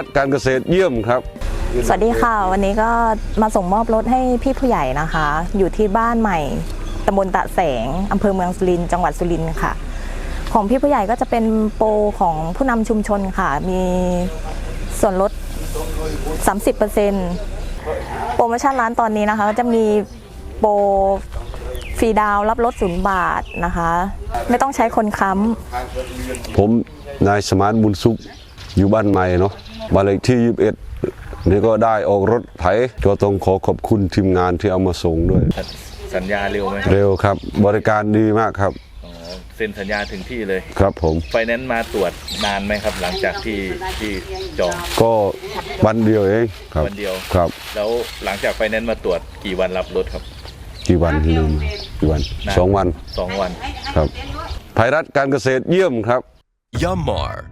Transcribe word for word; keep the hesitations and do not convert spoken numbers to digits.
การเกษตรเยี่ยมครับสวัสดีค่ะวันนี้ก็มาส่งมอบรถให้พี่ผู้ใหญ่นะคะอยู่ที่บ้านใหม่ตำบลตะแสงอำเภอเมืองสุรินทร์จังหวัดสุรินทร์ค่ะของพี่ผู้ใหญ่ก็จะเป็นโปรของผู้นำชุมชนค่ะมีส่วนลด สามสิบเปอร์เซ็นต์ โปรโมชั่นร้านตอนนี้นะคะจะมีโปรฟรีดาวรับรถศูนย์บาทนะคะไม่ต้องใช้คนค้ำผมนายสมานบุญสุขอยู่บ้านใหม่เนาะบ้านเลขที่ยี่สิบเอ็ดนี่ก็ได้ออกรถไถก็ต้องขอขอบคุณทีมงานที่เอามาส่งด้วยสัญญาเร็วไหมครับเร็วครับบริการดีมากครับเซ็นสัญญาถึงที่เลยครับผมไฟแนนซ์มาตรวจนานไหมครับหลังจากที่ที่จองก็วันเดียวเองครับวันเดียวครับแล้วหลังจากไฟแนนซ์มาตรวจกี่วันรับรถครับกี่วันลืมกี่วันสองวันสองวันครับไพรัตการเกษตรเยี่ยมครับ Yammar